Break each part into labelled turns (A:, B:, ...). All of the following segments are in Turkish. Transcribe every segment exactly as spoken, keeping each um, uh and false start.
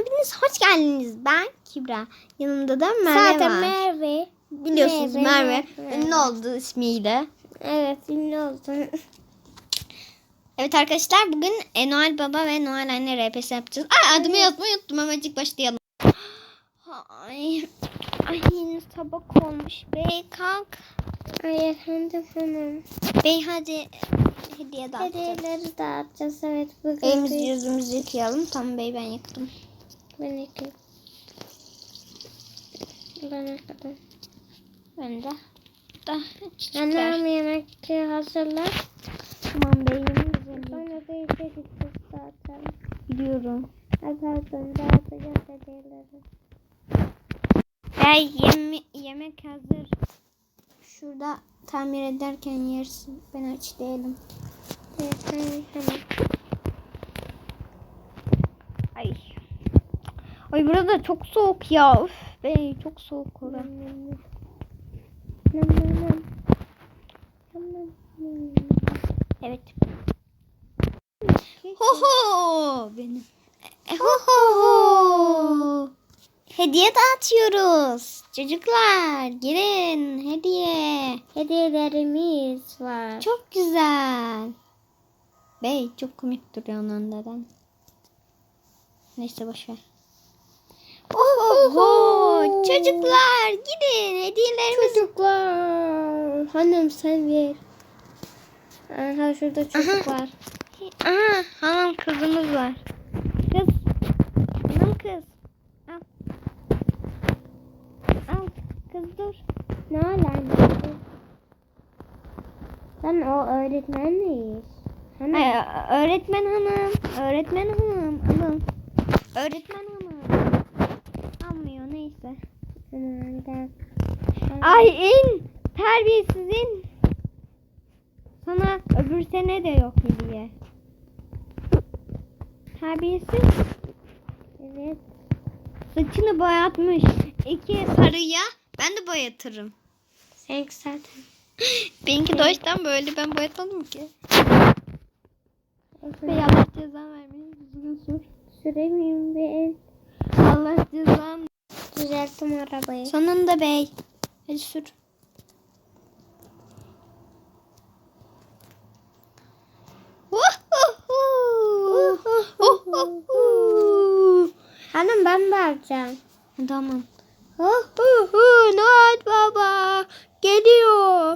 A: hepiniz hoş geldiniz. Ben Kübra. Yanımda da Merve
B: Zaten
A: var.
B: Merve.
A: Biliyorsunuz Merve,
B: Merve,
A: Merve.
B: Merve.
A: ünlü oldu ismiyle.
B: Evet, ünlü oldu.
A: Evet arkadaşlar, bugün e, Noel Baba ve Noel Anne R P S yapacağız. Ay, adımı yazmayı unuttum. Hemencik başlayalım. Ay, ay yine sabah olmuş. Bey kalk.
B: Ay efendim hanım.
A: Bey hadi hediye dağıtacağız.
B: Hediyeleri dağıtacağız, evet. Bugün
A: Elimizi
B: biz-
A: yüzümüzü yıkayalım. Tamam bey, ben yıktım.
B: Ben iki. Ben ne kadar.
A: Ben de. Da çiçekler.
B: Annem yemek hazırlar.
A: Tamam beyim güzelim.
B: Sonra da işe gideceğiz zaten.
A: Biliyorum.
B: Ay pardon, dağıtacağız hediyeleri.
A: Bey yeme yemek hazır. Şurada tamir ederken yersin. Ben aç değilim.
B: Evet, hemen hemen.
A: Ay. Ay burada çok soğuk ya. Üf, bey çok soğuk orada.
B: Nam nam nam. Nam nam nam. Nam nam nam.
A: Evet. Ho ho benim. E, ho ho ho. Hediye dağıtıyoruz. Çocuklar gelin hediye.
B: Hediyelerimiz var.
A: Çok güzel. Bey çok komik duruyor ondan. Neyse boşver. Oho, çocuklar gidin hediyelerimiz.
B: Çocuklar. Hanım sen ver. Aha şurada çocuk
A: Aha.
B: var.
A: Aha hanım kızımız var. Kız. Hanım kız. Al. Al kız dur.
B: Ne alakası? Sen o öğretmen miyiz? Hanım.
A: Ay, öğretmen hanım. Öğretmen hanım. Alın. Öğretmen hanım. Almıyor neyse.
B: Aman gel.
A: Ay in. Terbiyesiz in. Sana öbür sene de yok hediye. Terbiyesiz.
B: Evet.
A: Saçını boyatmış. İki sarıya ben de boyatırım.
B: Sen zaten.
A: Benimki doğuştan böyle, ben boyatmadım ki. Bey Allah cezan vermeyin. Düzgün sür.
B: Süremeyeyim ben.
A: Allah cezan.
B: Düzelttim arabayı.
A: Sonunda bey. Hadi sür.
B: Hanım ben de alacağım.
A: Tamam. Noel Baba geliyor.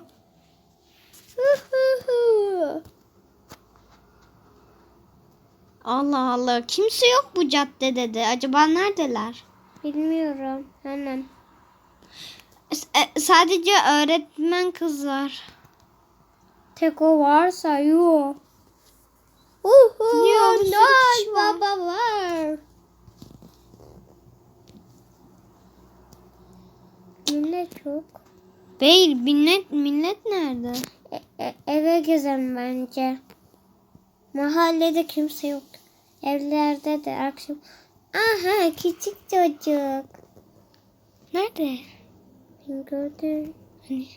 A: Allah Allah. Kimse yok bu caddede de. Acaba neredeler?
B: Bilmiyorum. Hanım.
A: S- sadece öğretmen kız var.
B: Tek o varsa yok.
A: Uhu, ya, bir sürü kişi var.
B: Baba var. Millet çok.
A: Bey millet, millet nerede?
B: E- e- eve gezelim bence. Mahallede kimse yok. Evlerde de akşam. Aha küçük çocuk.
A: Nerede?
B: Ben gördüm.
A: Hani?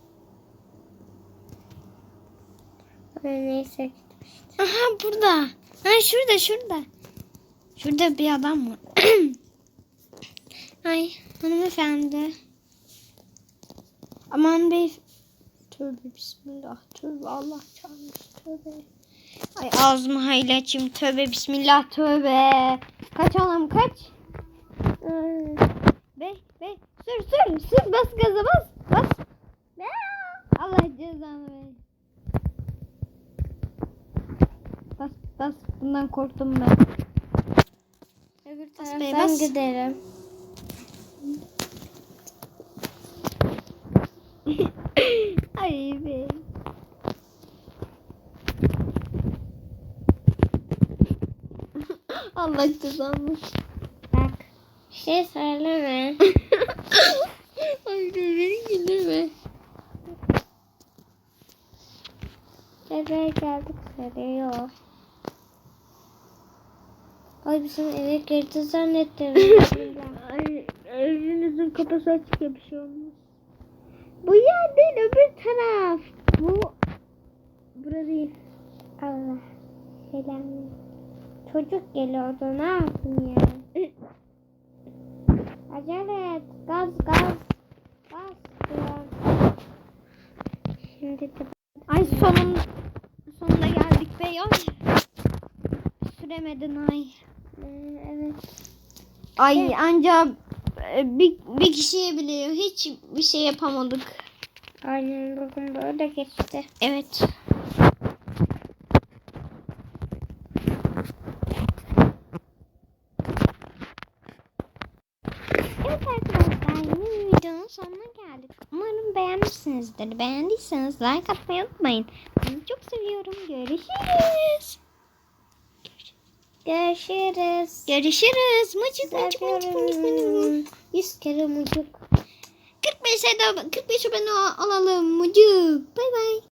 B: Ben neyse gitmiş.
A: Aha burada. Ha şurada şurada. Şurada bir adam var. Ay hanımefendi. Aman bey. Tövbe bismillah. Tövbe Allah çarpmış. Tövbe. Ay ağzımı hayli açayım. Tövbe bismillah. Tövbe. Kaç oğlum kaç.
B: Ay.
A: Bey bey. Sür sür. Sür bas gaza bas. Bas. Allah cezanı ver. Bas bas. Bundan korktum ben.
B: Öbür
A: Bas
B: taraftan
A: bey, bas.
B: gidelim.
A: Ay be. Allah cezanı.
B: Bak. Bir şey söyleme.
A: Ay beni güldürme.
B: Eve geldik söylüyor. Ay bizim eve girdi zannettim.
A: Ay evinizin kapısı açık ya, bir şey olmaz. Bu yer değil, öbür taraf. Bu bura değil.
B: Allah. Selam. Çocuk geliyordu, ne yapayım ya? Acele et. Gaz gaz. Gaz. Biraz. Şimdi de
A: Ay sonun sonunda geldik be ya. Süremedin ay.
B: Ee, evet.
A: Ay anca e, bir, bir kişiye bile hiç bir şey yapamadık.
B: Aynen bugün böyle geçti.
A: Evet. Evet arkadaşlar yeni bir videonun sonuna geldik. Umarım beğenmişsinizdir. Beğendiyseniz like atmayı unutmayın. Sizi çok seviyorum. Görüşürüz.
B: Görüşürüz.
A: Görüşürüz. Mıcık mıcık mıcık mıcık mıcık.
B: Seviyorum. Yüz kere mucuk.
A: kırk beşe de kırk beş abone olalım. Mıcık. Bay bay.